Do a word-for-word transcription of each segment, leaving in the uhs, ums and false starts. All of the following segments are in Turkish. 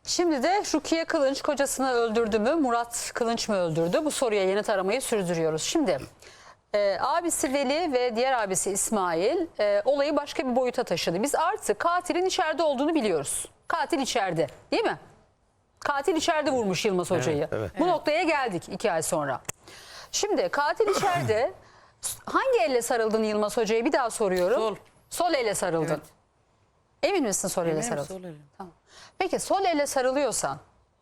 Şimdi de Rukiye Kılınç kocasını öldürdü mü, Murat Kılınç mı öldürdü? Bu soruya yanıt aramayı sürdürüyoruz. Şimdi e, abisi Veli ve diğer abisi İsmail e, olayı başka bir boyuta taşıdı. Biz artık katilin içeride olduğunu biliyoruz. Katil içeride, değil mi? Katil içeride vurmuş Yılmaz Hoca'yı. Evet, evet. Bu noktaya geldik iki ay sonra. Şimdi katil içeride hangi elle sarıldın Yılmaz Hoca'ya, bir daha soruyorum. Sol. Sol elle sarıldın. Evet. Emin misin sol elle Eminim, sarıldın? sol elle. Tamam. Peki sol elle sarılıyorsan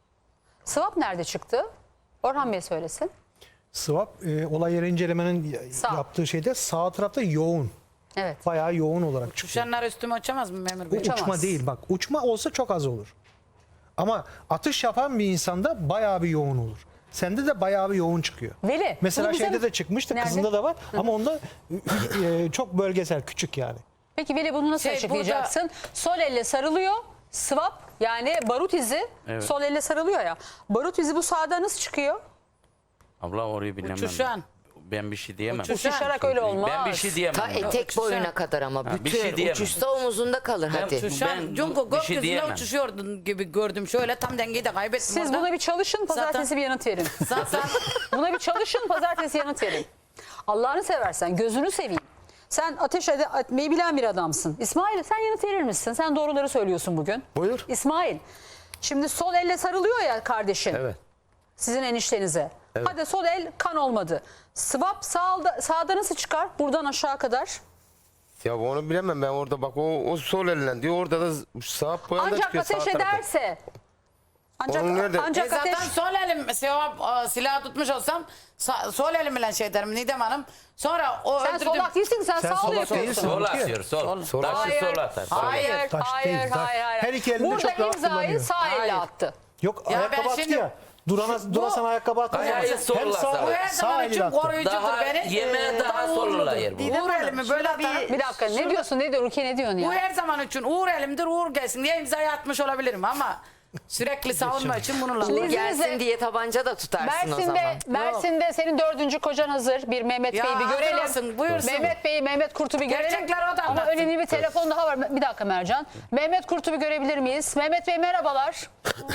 swap nerede çıktı? Orhan Bey söylesin. Swap e, olay yeri incelemenin Sağ. yaptığı şeyde sağ tarafta yoğun. Evet. Bayağı yoğun olarak çıkıyor. Uçanlar üstüme uçamaz mı memur Bu bey? uçamaz. uçma değil bak. Uçma olsa çok az olur. Ama atış yapan bir insanda bayağı bir yoğun olur. Sende de bayağı bir yoğun çıkıyor. Veli. Mesela bunu bize şeyde mi- de çıkmıştı. Nerede? Kızında da var. Ama onda e, çok bölgesel, küçük yani. Peki Veli bunu nasıl Şey, açıklayacaksın? Sol elle sarılıyor. Swap yani barut izi Evet. sol elle sarılıyor ya. Barut izi bu sağda nasıl çıkıyor? Abla orayı bilemem. Uçuşan. Ben bir şey diyemem. Uçuş- Uçuşarak öyle olmaz. Ben bir şey diyemem. Ta etek Uçuşan. boyuna kadar ama Ha, bir bütün şey diyemem. uçuşta omuzunda kalır Ben- hadi. uçuş- Uçuşan. Ben Çünkü bu- bir şey gökyüzünde diyemem. uçuşuyordun gibi gördüm. Şöyle tam dengeyi de kaybettim Siz orada. buna bir çalışın, pazartesi Zaten- bir yanıt verin. Zaten Buna bir çalışın, pazartesi yanıt verin. Allah'ını seversen, gözünü seveyim. Sen ateş ede- etmeyi bilen bir adamsın. İsmail sen yanıt verir misin? Sen doğruları söylüyorsun bugün. Buyur. İsmail, şimdi sol elle sarılıyor ya kardeşin. Evet. Sizin eniştenize. Hadi sol el kan olmadı. Swap sağda, sağda nasıl çıkar? Buradan aşağı kadar. Ya onu bilemem ben orada bak o, o sol elinden diyor orada da sağ boyanda Ancak çıkıyor sağ ateş tarafta. ederse. Ancak, Onun nerede? ancak e zaten ateş. sol elim sevap, silah tutmuş olsam sa- sol elimle şey derim Nidem Hanım. Sonra o Sen öldürdüm. solak değilsin, sen, Sen sağlı solak yapıyorsun. değilsin. Sol Sol. atıyor sol. Sol. Taşı Hayır, sol atar. sol. hayır, Taş hayır, değil, taş. hayır, hayır. Her iki elinde Burada çok rahat imzayı kullanıyor. sağ elle Hayır. attı. Yok Ya ayakkabı ben attı şimdi- ya. Durana, durasan ayakkabı attı. Ayağı Hem solla sağ, sana. Bu her sağ zaman için eliyle attı. koruyucudur Daha beni. yemeğe Ee, daha sollular yer bu. Uğur elimi böyle atarım. Bir dakika ne diyorsun, ne diyor Rukiye, ne diyorsun Bu ya? her zaman için Uğur elimdir, Uğur gelsin diye imzayı atmış olabilirim ama sürekli savunma için bununla. Şimdi- Gelsin diye tabanca da tutarsın o zaman. Mersin'de, Mersin'de senin dördüncü kocan hazır. Bir Mehmet Ya Bey'i bir hazır görelim. olsun, buyursun. Mehmet Bey'i, Mehmet Kurt'u bir görelim. Gerçekler o da Ama anlatsın. önemli bir telefon daha var. Bir dakika Mercan. Mehmet Kurt'u bir görebilir miyiz? Mehmet Bey merhabalar.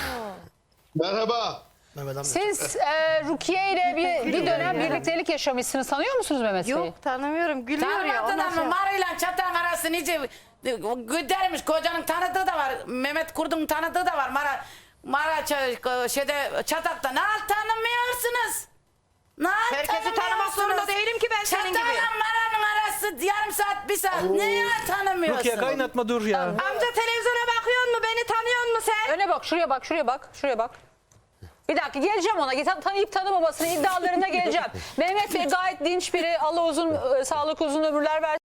Merhaba. Mehmet amca. Siz e, Rukiye ile bir, bir dönem birliktelik yaşamışsınız. Tanıyor musunuz Mehmet Bey'i? Yok tanımıyorum. Gülüyor ya. Tanımadın Ondan ama sonra... Marı'yla çatan arası nice güdermiş. Kocanın tanıdığı da var. Mehmet Kurt'un tanıdığı da var. Mara, Mara ç- şeyde çatakta. Ne tanımıyorsunuz? Ne Herkesi tanımak zorunda değilim ki ben senin gibi. Çatakla Mara'nın arası yarım saat bir saat. Neye tanımıyorsun? Rukiye kaynatma dur ya. Amca televizyona bakıyor mu? Beni tanıyor musun sen? Öne bak, şuraya bak, şuraya bak, şuraya bak. Bir dakika geleceğim ona. Tan- Tanıyıp tanımamasını iddialarına geleceğim. Mehmet Bey gayet dinç biri. Allah uzun e, sağlık uzun ömürler versin.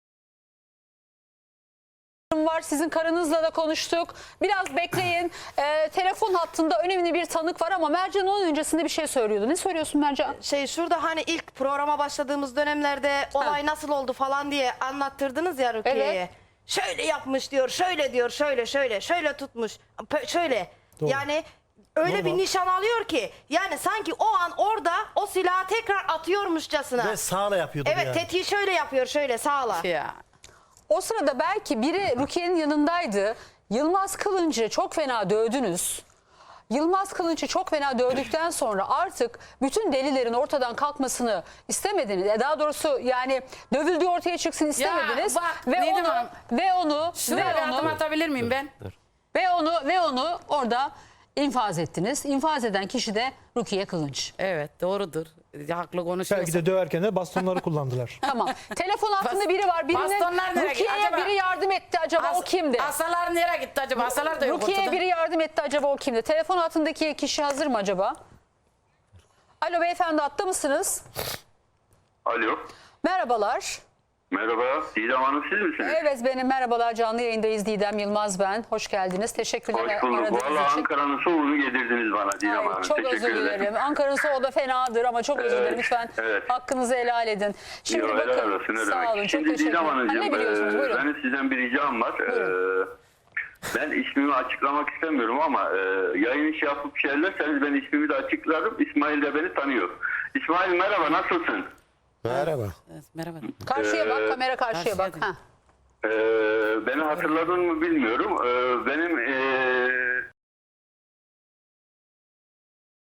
Var. Sizin karınızla da konuştuk. Biraz bekleyin. E, telefon hattında önemli bir tanık var ama Mercan onun öncesinde bir şey söylüyordu. Ne söylüyorsun Mercan? Şey şurada hani ilk programa başladığımız dönemlerde olay nasıl oldu falan diye anlattırdınız ya Rukiye'ye. Evet. Şöyle yapmış diyor, şöyle diyor, şöyle şöyle, şöyle tutmuş, pö- şöyle. Doğru. Yani öyle Normal. bir nişan alıyor ki yani sanki o an orada o silahı tekrar atıyormuşçasına. Ve sağla yapıyordu Evet yani. tetiği şöyle yapıyor, şöyle sağla. Ya. O sırada belki biri Rukiye'nin yanındaydı. Yılmaz Kılınç'ı çok fena dövdünüz. Yılmaz Kılınç'ı çok fena dövdükten sonra artık bütün delillerin ortadan kalkmasını istemediniz. E, Daha doğrusu yani dövüldüğü ortaya çıksın istemediniz. bak, ve Nedim onu Hanım. ve onu Şuraya ve bir adım onu atabilir miyim ben? ve onu ve onu orada infaz ettiniz. İnfaz eden kişi de Rukiye Kılınç. Evet doğrudur. Haklı konuşuyorsun. Belki de döverken de bastonları kullandılar. Tamam. Telefon altında Bas- biri var. Birine bastonlar nereye gitti? Rukiye'ye Acaba- biri yardım etti. Acaba o As- kimdi? Asalar nereye gitti acaba? Asalar da yok Rukiye'ye ortada. biri yardım etti. Acaba o kimdi? Telefon altındaki kişi hazır mı acaba? Alo beyefendi, hatta mısınız? Alo. Merhabalar. Merhaba. Didem Hanım siz misiniz? Evet benim, merhabalar, canlı yayındayız. Didem Yılmaz ben. Hoş geldiniz. Teşekkürler Hoş bulduk. aradığınız Valla için. Ankara'nın soğuğunu yedirdiniz bana Didem Ay, Hanım. çok Teşekkür özür ederim. dilerim. Ankara'nın soğuğu da fenadır ama çok özür Evet, dilerim. Lütfen evet. hakkınızı helal edin. Şimdi Yo, bakın. helal olsun, ne Sağ demek. olun. Çok Şimdi teşekkür Didem ederim. Ha, Hanımcığım, ne biliyorsunuz? e, Buyurun. benim sizden bir ricam var. Buyurun. E, ben ismimi açıklamak istemiyorum ama e, yayın işi yapıp şeylerseniz ben ismimi de açıklarım. İsmail de beni tanıyor. İsmail merhaba, nasılsın? Merhaba. Evet, merhaba. Karşıya bak, Ee, kamera karşıya bak. karşıya Ha. E, beni hatırladın mı bilmiyorum. E, benim e,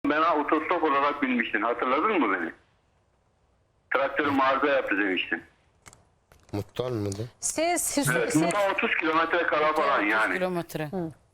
bana otostop olarak binmiştin. Hatırladın mı beni? Traktörüm arıza yaptı demiştin. Muhtar mıydı? Siz, siz, Evet, siz burada otuz kilometre kala falan otuz yani. kilometre.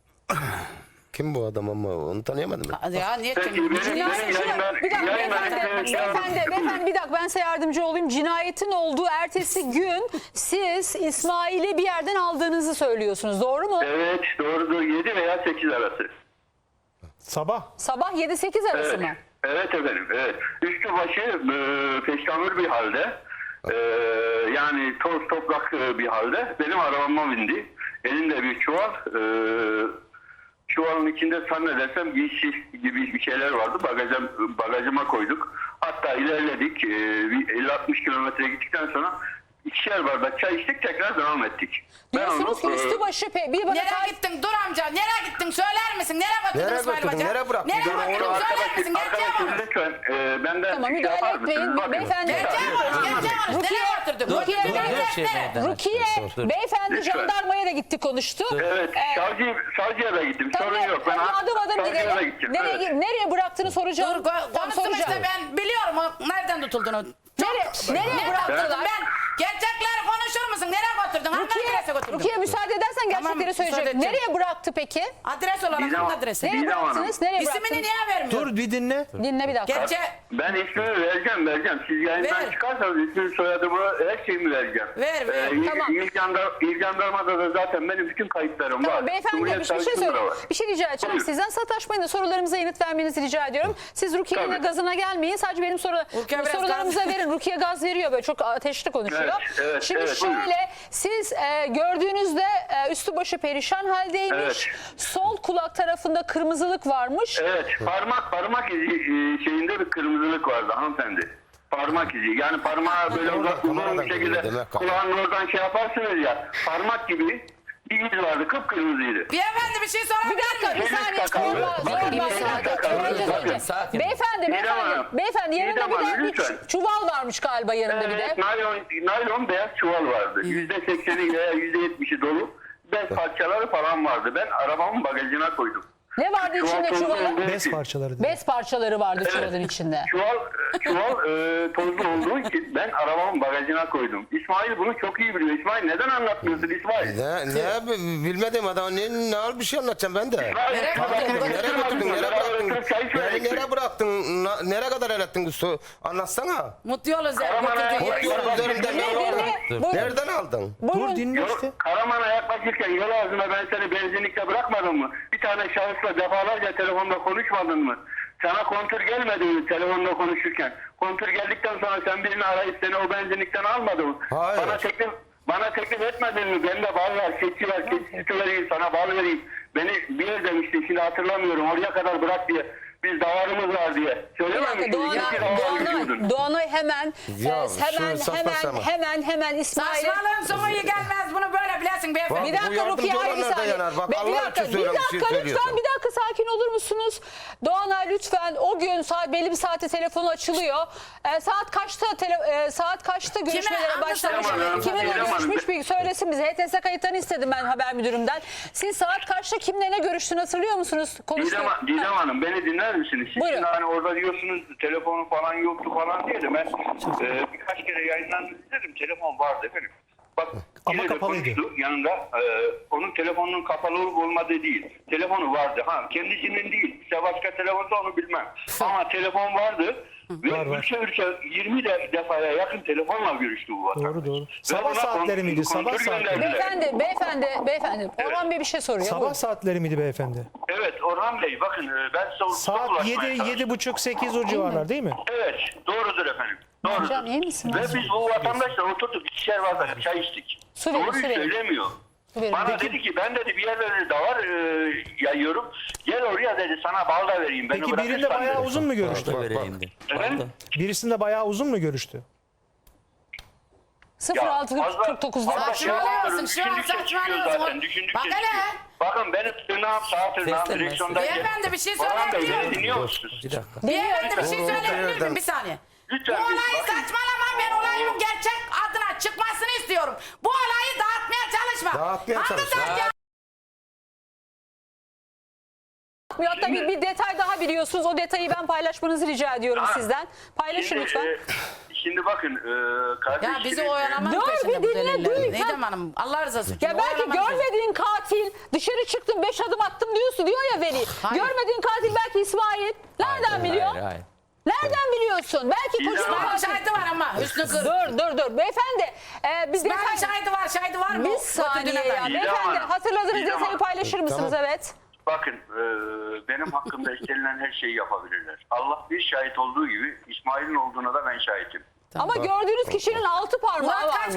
Kim bu adam ama onu tanıyamadım ben. Hadi ya niye Peki kim? benim, Cinayet, benim cinayet- yayınlar... bir dakika yayınlar- beyefendi, beyefendi, beyefendi bir dakika ben size yardımcı olayım. Cinayetin olduğu ertesi gün siz İsmail'i bir yerden aldığınızı söylüyorsunuz. Doğru mu? Evet doğrudur. yedi veya sekiz arası. Sabah. Sabah yedi sekiz arası Evet. mı? Evet efendim. Evet. Üstü başı e, peşkamür bir halde. E, yani toz toprak e, bir halde. Benim arabama bindi. Elinde bir çuval. E, çuvalın içinde zannedersem giysi gibi bir şeyler vardı. Bagajım, bagajıma koyduk. Hatta ilerledik. E, bir elli altmış kilometre gittikten sonra ikişer bardak çay içtik. Tekrar devam ettik. Ben Diyorsunuz ki onu, e, üstü başı pe bir bana Nereye tarif- gittin? Dur amca. Nereye gittin? Söyler misin? Nereye götürdün Nereye İsmail götürdün? Hoca? Nereye bıraktın? Nereye Doğru, götürdün? onu Söyler misin? Gerçeği Arkadaşım konuş. lütfen e, benden Tamam, şey müdahale yapar mısınız? etmeyin. Bakın. Beyefendi- Gerçeği konuş. Gerçeği konuş. Rukiye- Nereye götürdün? Rukiye- Götürdün. Rukiye- Nereye? Şey Nereye? meydana Rukiye, çıkıyor. Dur. beyefendi Lütfen. jandarmaya da gitti konuştu. Evet, Ee, savcı, savcıya da gittim. Tamam, Sorun yok. Ben adım adım savcıya da gidelim. gittim. Nereye, Evet. nereye bıraktığını soracağım. Dur ko- Tamam, konuşsun soracağım. işte ben biliyorum o nereden tutulduğunu. Nereye, nereye Nereye bıraktılar? götürdün? Ben gerçekleri konuşur musun? Nereye götürdün? Hangi adrese Rukiye, götürdün? Rukiye müsaade edersen Tamam, gerçekleri müsaade söyleyecek. edeceğim. Nereye bıraktı peki? Adres olarak Didem- hangi adrese? Nereye Didem Hanım. bıraktınız? Nereye İsmini bıraktınız? niye vermiyor? Dur bir dinle. Dinle bir dakika. Gerçe Ben ismimi vereceğim, vereceğim. Siz yayından Ver. çıkarsanız ismini, soyadımı, her şeyimi vereceğim. Ver, ver. il- Tamam. İl, Jandar, İl Jandarmada da zaten benim bütün kayıtlarım Tamam var. beyefendi Cumhuriyet bir şey Savcısında söyle. da var. Bir şey rica edeceğim Buyurun. sizden. Sataşmayın da sorularımıza yanıt vermenizi rica ediyorum. Siz Rukiye'nin Tabii. gazına gelmeyin. Sadece benim soru, Rukiye biraz sorularımıza gaz- verin. Rukiye gaz veriyor böyle çok ateşli konuşuyor. Evet, evet, Şimdi evet, şöyle buyurun. siz e, gördüğünüzde e, üstü başı perişan haldeymiş. Evet. Sol kulak tarafında kırmızılık varmış. Evet, parmak parmak izi e, şeyinde bir kırmızılık vardı hanımefendi. Parmak izi. Yani parmağı böyle Orada, uzak kameradan uzun bir şekilde görüyor demek ki. kulağın oradan şey yaparsınız ya. Parmak gibi bir iz vardı, kıpkırmızıydı. beyefendi bir şey Bir sorabilir dakika bir miyim? Eliniz saniye takaldı. sorma Bakın, sorma. eliniz takaldı. Önce Bakın, söyleyeceğim. sakin. Beyefendi Didem beyefendi Hanım. beyefendi yanında Didem bir de Hanım, bir lütfen. çuval varmış galiba yanında bir de. Evet, naylon, naylon beyaz çuval vardı. Yüzde sekseni veya yüzde yetmişi dolu. Bez parçaları falan vardı. Ben arabamın bagajına koydum. Ne vardı içinde tozlu çuvalın? olduğu Bez için- parçaları. dedi. Bez parçaları vardı Evet. çuvalın içinde. Çuval, çuval e, tozlu olduğu için ben arabamın bagajına koydum. İsmail bunu çok iyi biliyor. İsmail neden anlatmıyorsun İsmail? Ne, ne bi- bilmedim adam ne, ne al bir şey anlatacağım ben de. İsmail, Nereye sabah götürdün? götürme Nereye götürdün? bizi, Nereye beraber bıraktın? oturup çay Beni içmeyecektik. nereye bıraktın? Na- nereye kadar el ettin? Su- Anlatsana. Mutlu yol özel Karaman'a götürdüğün yaklaşırken- yere. Yol üzerinden Dinle, ne aldın? dinle. Buyurun. Nereden aldın? Buyurun. Dur dinle Yol- işte. Karaman'a yaklaşırken yol ağzına ben seni benzinlikte bırakmadım mı? Bir tane şahısla defalarca telefonda konuşmadın mı? Sana kontür gelmedi mi telefonda konuşurken? Kontür geldikten sonra sen birini arayıp seni o benzinlikten almadın mı? Hayır. Bana teklif bana teklif etmedin mi? Bende bal var, keçi var, keçi sütü vereyim, sana bal vereyim. Beni bir yer demiştin, şimdi hatırlamıyorum. Oraya kadar bırak diye. Biz davarımız var diye. Bir Söylememiştin. dakika Doğanay, İki davar Doğanay, götürüyordun. Doğanay hemen Ya, e, hemen şu saçma hemen sapan. hemen hemen İsmail'e. Saçmalığın sonu iyi gelmez. Bunu böyle bilesin beyefendi. Bak, Bir bu dakika yardımcı Rukiye hayır bir olanlar da saniye. yanar. Bak, Be- Allah bir için dakika, bir söylüyorum, bir şey dakika lütfen söylüyorsun. bir dakika sakin olur musunuz? Doğanay lütfen o gün saat belli bir saatte telefonu açılıyor. E, saat kaçta tele, e, saat kaçta görüşmelere Hangi başlamış? saat? Kiminle Didem Hanım. görüşmüş bir söylesin bize. H T S kayıtlarını istedim ben haber müdürümden. Siz saat kaçta kimle ne görüştüğünü hatırlıyor musunuz? Konuştu. Didem, Didem Hanım beni dinler misiniz? Siz Buyurun. şimdi hani orada diyorsunuz telefonu falan yoktu falan diye de ben e, birkaç kere yayından izledim. Telefon vardı efendim. Bak Ama yine de kapalıydı. konuştu. Yanında e, onun telefonunun kapalı olup olmadığı değil. Telefonu vardı. Ha kendisinin değil. İşte başka telefonda onu bilmem. Ama telefon vardı. Ve Var, var. ülke ülke yirmi de, defaya yakın telefonla görüştü bu vatandaş. Doğru doğru. Ve Sabah ona saatleri kon- miydi? Sabah kontrol saatleri. gönderdiler. Beyefendi, beyefendi, beyefendi. Orhan Bey bir şey soruyor. Sabah Buyurun. saatleri miydi beyefendi? Evet Orhan Bey bakın e, ben size ulaşmaya Saat yedi, çalıştım. yedi buçuk, sekiz o civarlar değil mi? Evet doğrudur efendim. Doğrudur. Hocam iyi misin? Ve biz bu vatandaşla oturduk ikişer bardak çay içtik. Su verin, Doğruyu su verin. söylemiyor. Su verin. Bana dedi ki ben dedi bir yerlerde davar e, yayıyorum. Gel oraya dedi sana bal da vereyim. Beni Peki birinde bırakırsan bayağı dedi. uzun mu görüştü? Da vereyim de. Efendim? Birisinde bayağı uzun mu görüştü? sıfır altı kırk dokuzda fazla akşam. şey yapmıyorum. Saçmalıyorsun, şu an Düşündükçe çıkıyor saçmalıyorsun. zaten, düşündükçe Bak hele. çıkıyor. Bakın benim tırnağım sağ tırnağım Seslenmez. direksiyonda. Beyefendi, bir şey Orhan Bey söyleyebilir beni miyim? dinliyor musunuz? Bir dakika. Beyefendi bir şey Doğru, söyleyebilir miyim? nereden? Bir saniye. Lütfen, Bu olayı bakın. saçmalama, ben olayın gerçek adına çıkmasını istiyorum. Bu olayı dağıtmaya çalışma. Dağıtmaya Hangi çalışma. saat ya- Hatta bir, bir detay daha biliyorsunuz. O detayı ben paylaşmanızı rica ediyorum Ha, sizden. Paylaşın Şimdi, lütfen. e, şimdi bakın e, kardeşim. Ya bizi oyalamak Dur, peşinde bir bu dinle, deliller. duy. Neydim hanım? Allah rızası için. Ya belki oyalamak peşinde. görmediğin katil dışarı çıktım beş adım attım diyorsun diyor ya Veli. Hayır. Görmediğin katil belki İsmail. Nereden Hayır, biliyor? hayır, hayır. Nereden biliyorsun? Belki İsmail kocası İsmail'in katil. şahidi var ama Hüsnü Kır. Dur dur dur. Beyefendi e, biz İsmail'in detay... şahidi var. Şahidi var mı? Bir O saniye götürdüğüne ya. dair. İdam Beyefendi Hanım, hatırladığınız İdam detayı Hanım. paylaşır mısınız? Tamam. Evet. Bakın e, benim hakkımda istenilen her şeyi yapabilirler. Allah bir şahit olduğu gibi İsmail'in olduğuna da ben şahitim. Ama gördüğünüz kişinin altı parmağı Murat kaç varmış.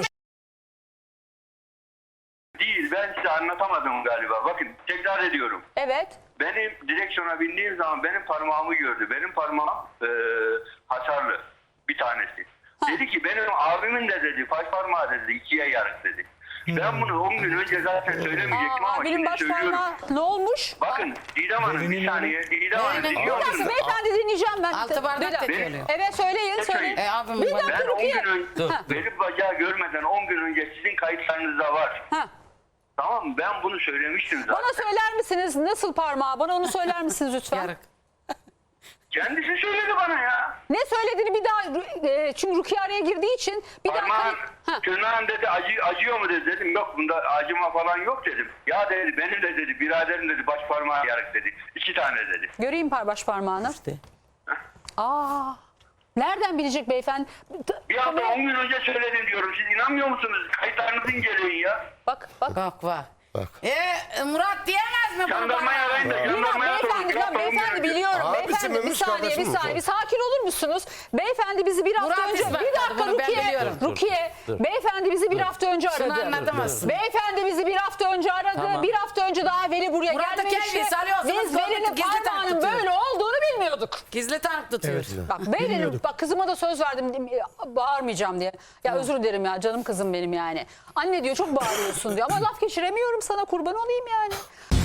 Değil, ben size anlatamadım galiba. Bakın tekrar ediyorum. Evet. Benim direksiyona bindiğim zaman benim parmağımı gördü. Benim parmağım e, hasarlı bir tanesi. Dedi ki benim abimin de dedi baş parmağı dedi ikiye yarık dedi. Ben bunu on gün önce zaten söylemeyecektim Aa, ama abinin şimdi baş söylüyorum. parmağı ne olmuş? Bakın Didem Hanım bir Verinin- saniye. Didem Hanım Verinin- Bir dinliyor dakika musunuz? beyefendi dinleyeceğim ben. Altı bardak Bir dakika. döküyor. Evet söyleyin Ne söyleyin. E, abim Bir bana- dakika Ben on Rukiye. gün önce Ha. benim bacağı görmeden on gün önce sizin kayıtlarınızda var. Ha. Tamam mı? Ben bunu söylemiştim zaten. Bana söyler misiniz nasıl parmağı? Bana onu söyler misiniz lütfen? Yarık. Kendisi söyledi bana ya. Ne söylediğini bir daha e, çünkü Rukiye araya girdiği için bir daha Parmağın, Ha. tırnağın dedi acı, acıyor mu dedi. Dedim yok bunda acıma falan yok dedim. Ya dedi benim de dedi biraderim dedi baş parmağı yarık dedi. İki tane dedi. Göreyim par baş parmağını. Aa. Nereden bilecek beyefendi? Bir hafta on gün önce söyledim diyorum. Siz inanmıyor musunuz? Kayıtlarınızı inceleyin ya. Bak bak. Bak bak. E, Murat diyemez mi bunu Jandarmayı bana? arayın da Bilmem jandarmaya sorun. beyefendi, Bir hafta ben on gün beyefendi önce. biliyorum. Abisi Beyefendi bir miymiş, saniye bir kardeşim mi? saniye bir sakin olur musunuz? Beyefendi bizi bir hafta Murat önce İsmet bir dakika bunu ben Rukiye, biliyorum. Rukiye beyefendi bizi bir hafta önce Şunu aradı. anlatamazsın. Beyefendi bizi bir hafta önce aradı. Tamam. Bir hafta önce daha Veli buraya Murat'ı gelmemişti. kendi salıyorsunuz, Biz gördük, Veli'nin gizli tanık parmağının tutuyor. böyle olduğunu bilmiyorduk. Gizli tanık tutuyor. Bak Veli'nin bak kızıma da söz verdim bağırmayacağım diye. Ya özür dilerim ya canım kızım benim yani. Anne diyor çok bağırıyorsun diyor ama laf geçiremiyorum sana kurban olayım yani.